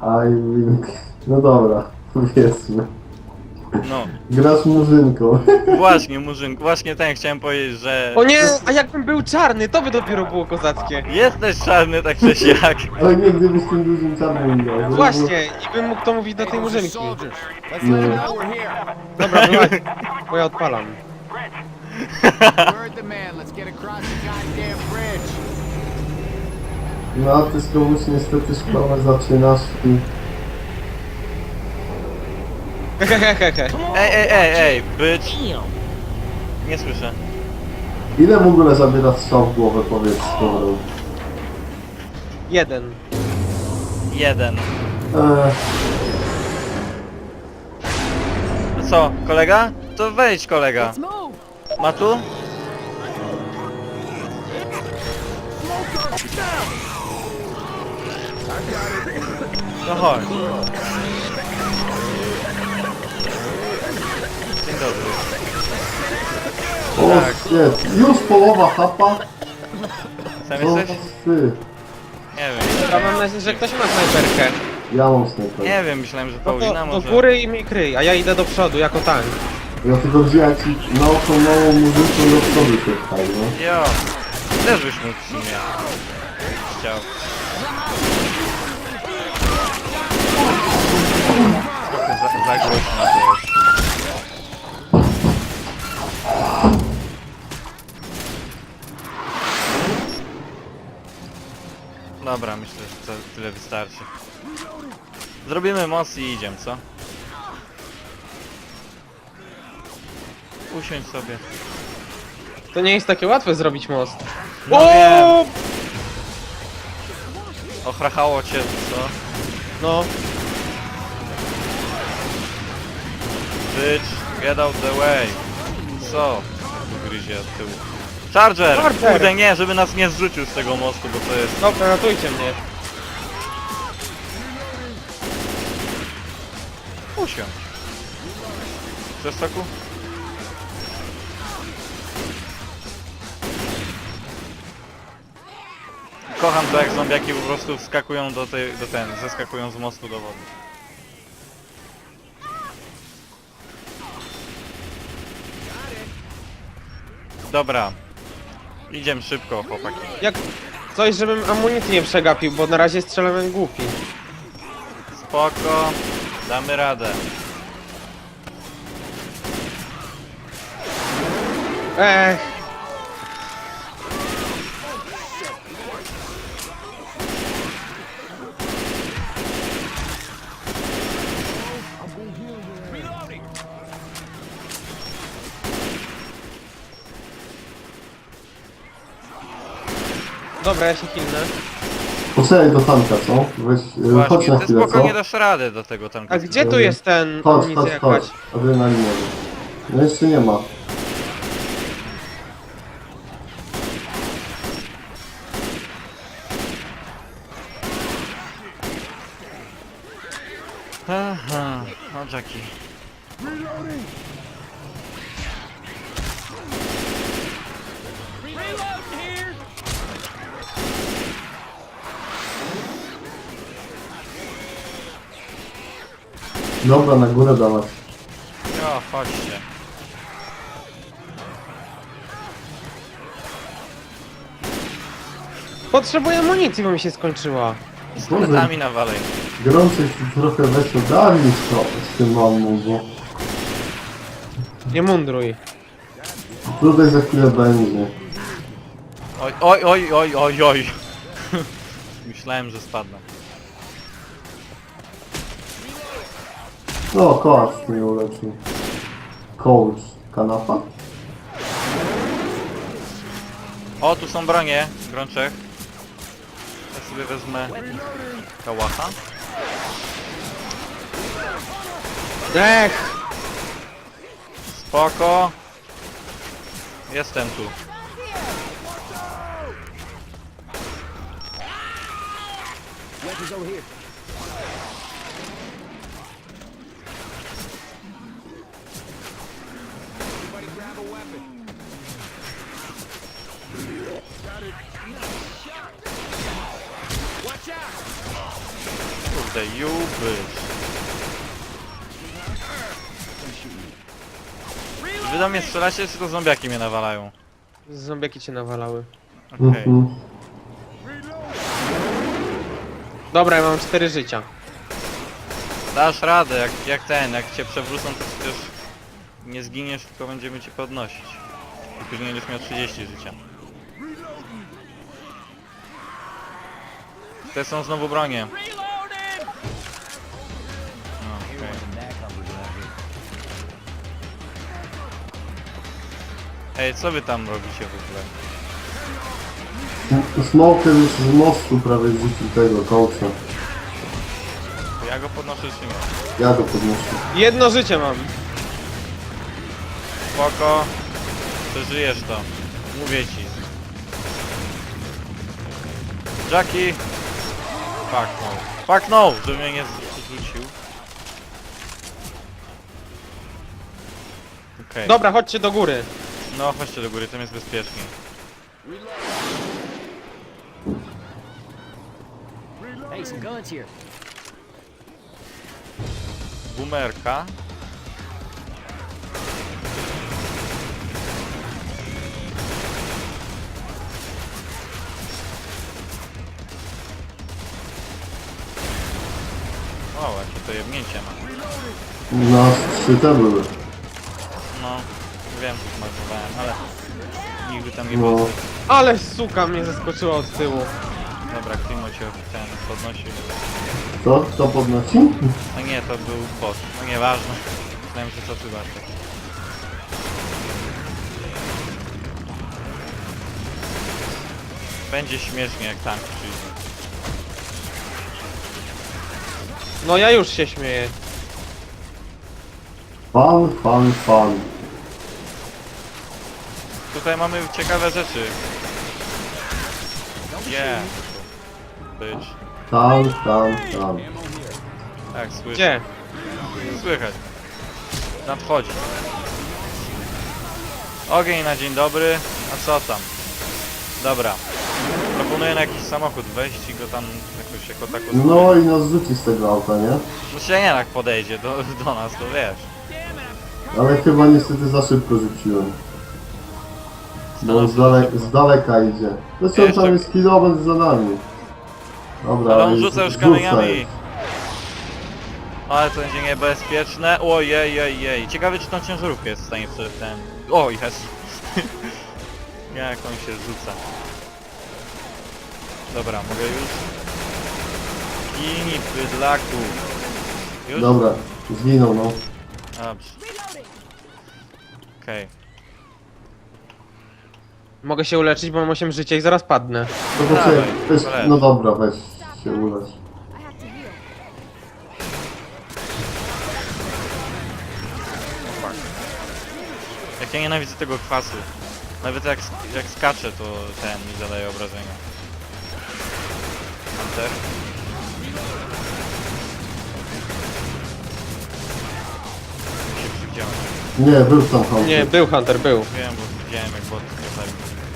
No dobra, powiedzmy. No, Grasz murzynką. właśnie Murzyn, właśnie ten chciałem powiedzieć, że... O nie, a jakbym był czarny, to by dopiero było kozackie. Jesteś czarny tak czy siak. Ale nie, gdybyś tym dużym czarnym grał. Właśnie, i bym mógł to mówić do tej murzynki. Nie. Dobra, była, bo ja odpalam. Word the man, let's get across the goddamn bridge. No a ty z komuś niestety szkołę zaczynasz i... Hehehehe. Ej, być. Nie słyszę. Ile w ogóle zabiera strzał w głowę, powiedz skoro? Jeden. Jeden. Eee, No co, kolega? To wejdź kolega. Ma tu? No chodź. Dzień dobry. o, Tak. shit. Już połowa chapa? Sam O, jesteś? ty. Nie wiem. Ja mam nadzieję, że ktoś ma snajperkę. Ja mam snajper. Nie wiem, myślałem, że No Paulina to do może... góry i mi kryj, a ja idę do przodu jako tank. Ja tylko wziąłem ci na oko małą murzynką do przodu się wstał, no. Jo. Też byś mógł w sumie. Chciał. Trochę za głośno to jest. Dobra, myślę, że to tyle wystarczy. Zrobimy most i idziemy, co? Usiądź sobie. To nie jest takie łatwe zrobić most. No wiem. Ochrachało cię, co? No, Bitch, get out the way. Co? Tu gryzie od tyłu. Charger! Charger! Kurde nie, żeby nas nie zrzucił z tego mostu, bo to jest... dobra, ratujcie mnie. Usiądź. Chcesz soku? Kocham to, jak zombiaki po prostu wskakują zeskakują z mostu do wody. Dobra. Idziemy szybko, chłopaki. Jak coś, żebym amunicji nie przegapił, bo na razie strzelam jak głupi. Spoko. Damy radę. Ech, dobra, ja się hilnę. Poczekaj do tanka, co? Weź, chodź Właśnie, na ty chwilę, co? spokojnie dasz radę do tego tanku. A gdzie tu jest ten Chodź, amunicja chodź, chodź. jakaś? Adrenalinowy. No jeszcze nie ma. Aha, no Jackie. Dobra, na górę dawać. Jo, chodźcie. Potrzebuję amunicji, bo mi się skończyła. Z kretami nawalej. Gorąco się trochę weszło. Daj mi to z tym mamą, bo Nie mundruj. tutaj za chwilę będzie. Oj, oj, oj, oj, oj, oj. Myślałem, że spadnę. No, kołac mnie uleczył. Coach. Kanapa? O, tu są bronie, Grączek. Ja sobie wezmę kałacha. Ech! Spoko. Jestem tu. Weapons over here. Everybody grab a weapon. Got it. Watch out! Kurde, jubysz. Wy do mnie strzelacie, czy to zombiaki mnie nawalają? Zombiaki cię nawalały. Okej. Mhm. Dobra, ja mam 4 życia. Dasz radę, jak cię przewrócą, to przecież nie zginiesz, tylko będziemy cię podnosić. I później będziesz miał 30 życia. Te są znowu bronie. No, okej. Ej, co wy tam robicie w ogóle? Smoker już z mostu prawie zrzucił tego kołca. To ja go podnoszę czy nie? Ja go podnoszę. 1 życie mam. Spoko. Przeżyjesz to. Mówię ci. Jackie! Fuck no. Fuck no! Żeby mnie nie zrzucił. Okej. Dobra, chodźcie do góry. No chodźcie do góry, tam jest bezpiecznie. Hey, some guns here. Boomerka. O, jakie to jebnięcie ma. Na 3 te były. No, wiem, że zmarnowałem, ale nigdy tam nie No. było. Ale suka mnie zaskoczyła od tyłu. Dobra, Klimo cię ten podnosił. Co? Kto podnosi? No nie, to był bot. No nieważne. Myślałem, że to ty Bartek. Będzie śmiesznie jak tank przyjdzie. No ja już się śmieję. Fan. Tutaj mamy ciekawe rzeczy. Yeah. Być. Tam. Tak, słyszę. Gdzie? Słychać. Nadchodzi. Ogień na dzień dobry. A co tam? Dobra. Proponuję na jakiś samochód wejść i go tam jakoś jako tako... No i nas rzuci z tego auta, nie? No się nie tak podejdzie do nas, to wiesz. Ale chyba niestety za szybko rzuciłem. Bo Stanowczo z daleka idzie. Zresztą Jeszcze- tam jest kilometr za nami. Dobra, Ale on jest- rzuca już rzuca kamieniami. już. Ale to będzie niebezpieczne. Ojej. Ciekawe czy tą ciężarówkę jest w stanie przed ten... O, jest. Jak on się rzuca. Dobra, mogę już. Gini, bydlaku. Już? Dobra, zginął no. Dobrze. Okej. Mogę się uleczyć, bo mam 8 życia i zaraz padnę. To po Dawaj, weź, polecę. no dobra, weź się ulecz. Jak ja nienawidzę tego kwasu. Nawet jak skaczę, to ten mi zadaje obrażenia. Hunter. Się przywidziałem. Nie, był tam Hunter. Nie, był Hunter, był. Wiem, bo widziałem jak bot mnie zabił.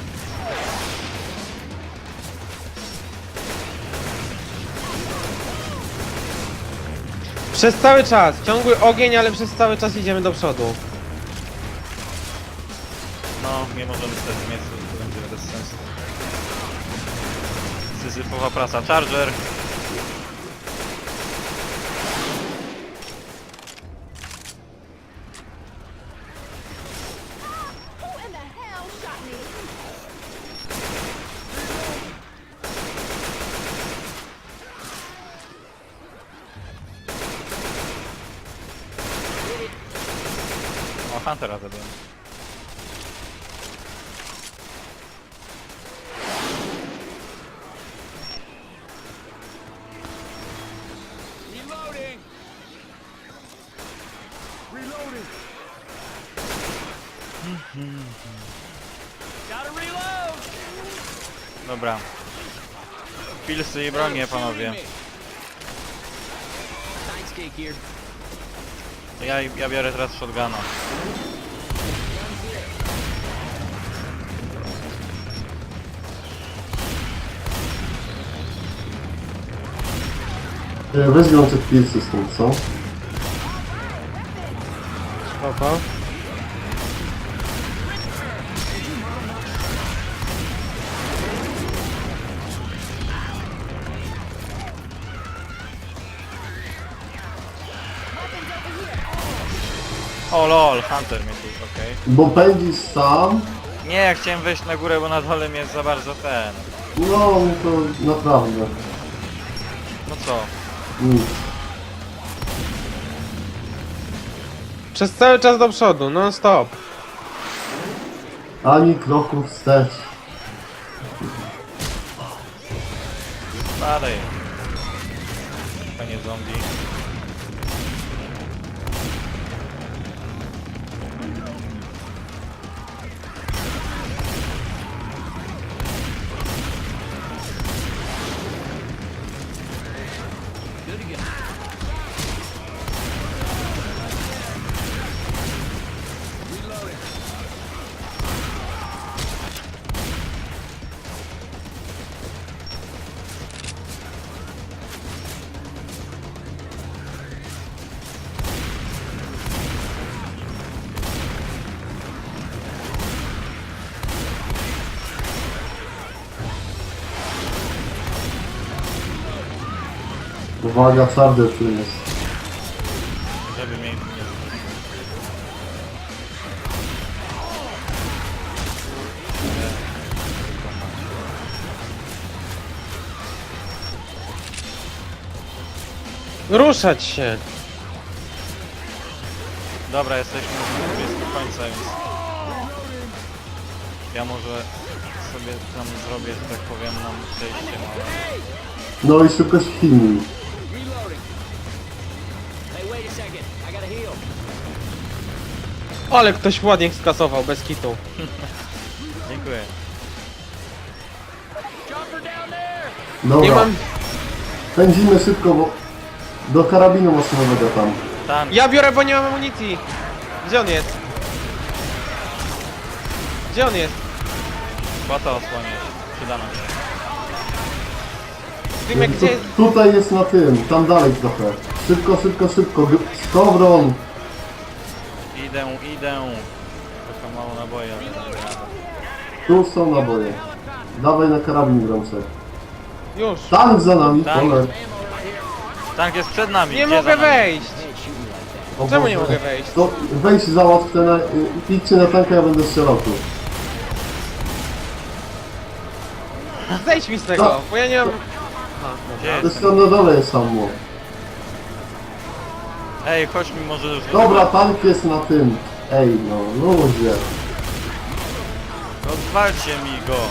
Przez cały czas, ciągły ogień, ale przez cały czas idziemy do przodu. No, nie możemy stać w miejscu, to będzie bez sensu. Syzyfowa praca. Charger! Who in the hell shot me? O, Huntera zabiłem. Reloading. Reloading. Gotta reload. Dobra. Pilsy i bronie, panowie. Thanks, cake here. Ja biorę teraz shotguna. Weźmią te pilsy stąd, co? Spoko. O lol, Hunter mnie tu, okej. Bo pędzisz sam, Nie, ja chciałem wejść na górę, bo na dole mnie za bardzo ten... no to naprawdę No co? nic. Przez cały czas do przodu, non stop. Ani kroku wstecz. Dalej. Panie zombie. Uwaga, twardy tu jest. Żeby mnie nie... Ruszać się. Dobra, jesteśmy blisko końca, więc... Ja może sobie tam zrobię, że tak powiem, nam przejście małe. No i szybko świni. Reloading. Hey, wait a second. I gotta heal. Ale ktoś ładnie skasował, bez kitu. Dziękuję. Chopper down there. Dobra, Nie mam... pędzimy szybko, bo do karabinu maszynowego tam. Tank. Ja biorę, bo nie mam amunicji. Gdzie on jest? Gdzie on jest? Płata osłoniesz. Przyda nam się. Dymek, gdzie jest? Tutaj jest na tym, tam dalej trochę. Szybko, szybko, szybko. Skowron! Idę. Tylko mało naboje, ale nie jadę. Tu są naboje. Dawaj na karabin Gromczek. Już. Tank za nami, Tank. cholera. Tank jest przed nami. Nie gdzie mogę za nami? wejść. O Czemu nie Boże. mogę wejść? To weź załatw te na... idźcie na tanka, ja będę strzelał tu. Zejdź mi z tego, Co? bo ja nie mam... Gdzie To jest? jest tam na dole jest samo. Ej, chodź mi może już... Dobra, tank jest na tym. Ej no, ludzie. Odwalcie mi go.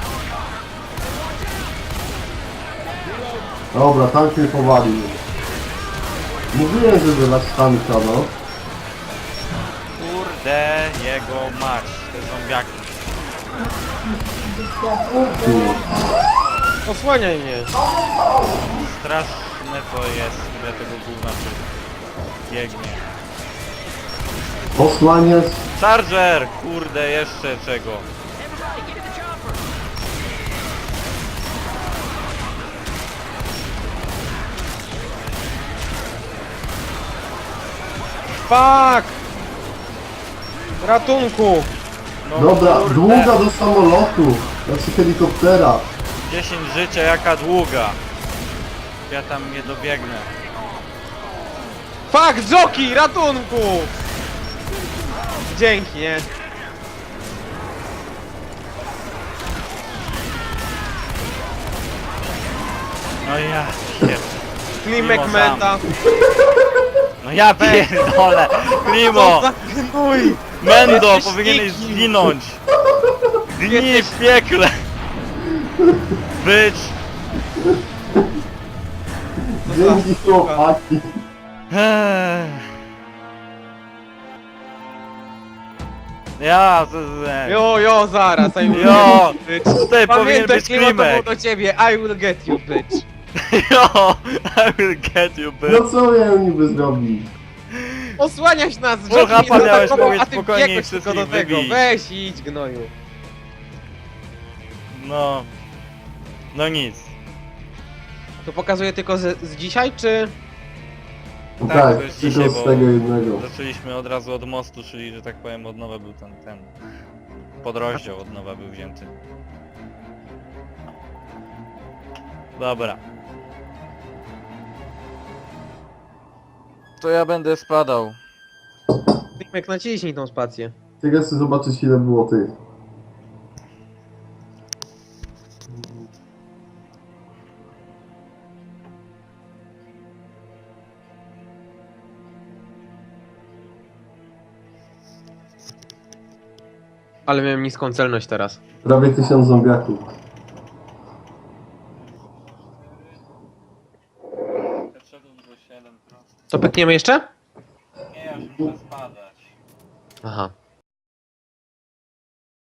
Dobra, tank mnie powalił. Mówiłem, żeby lać tanka, no. Kurde, jego mać. Te zombiaki. Osłaniaj mnie. Straszne to jest, ile tego gówna tu biegnie. Posłaniec. Charger! Kurde, jeszcze czego? Fuck! Ratunku! No Dobra, kurde. długa do samolotu. Znaczy helikoptera. 10 życia, jaka długa. Ja tam nie dobiegnę. Fuck, joki! Ratunku! Dzięki, nie? No ja pierdolę. Klimek Mimo meta. No ja pierdolę. Klimo! Co za gnój! Mendo, Jesteś powinieneś nikim. zginąć. Gnij w piekle. Być. Dzięki chłopaki. Ja, Jo, zaraz, I will Jo, get you, bitch. tutaj powinien Pamiętaj, być Klimo, to było klimek. do ciebie, I will get you, bitch. Jo, I will get you, bitch. No co ja niby zrobić? Osłaniać nas, Słucha, joki pan mnie miałeś zaatakował, powiedzieć a ty spokojnie i biegłeś tylko do wszystkich tego. wybić. Weź i idź, gnoju. No. No nic. To pokazuje tylko z dzisiaj, czy... Tak, to jest tylko dzisiaj, z bo tego jednego. zaczęliśmy od razu od mostu, czyli że tak powiem od nowa był ten podrozdział od nowa był wzięty. Dobra. To ja będę spadał. Jak naciśnij tą spację. Ciekawe chcę zobaczyć ile było tych. Ale miałem niską celność teraz. Prawie 1000 zombiaków. To pykniemy jeszcze? Nie, ja już muszę spadać. Aha.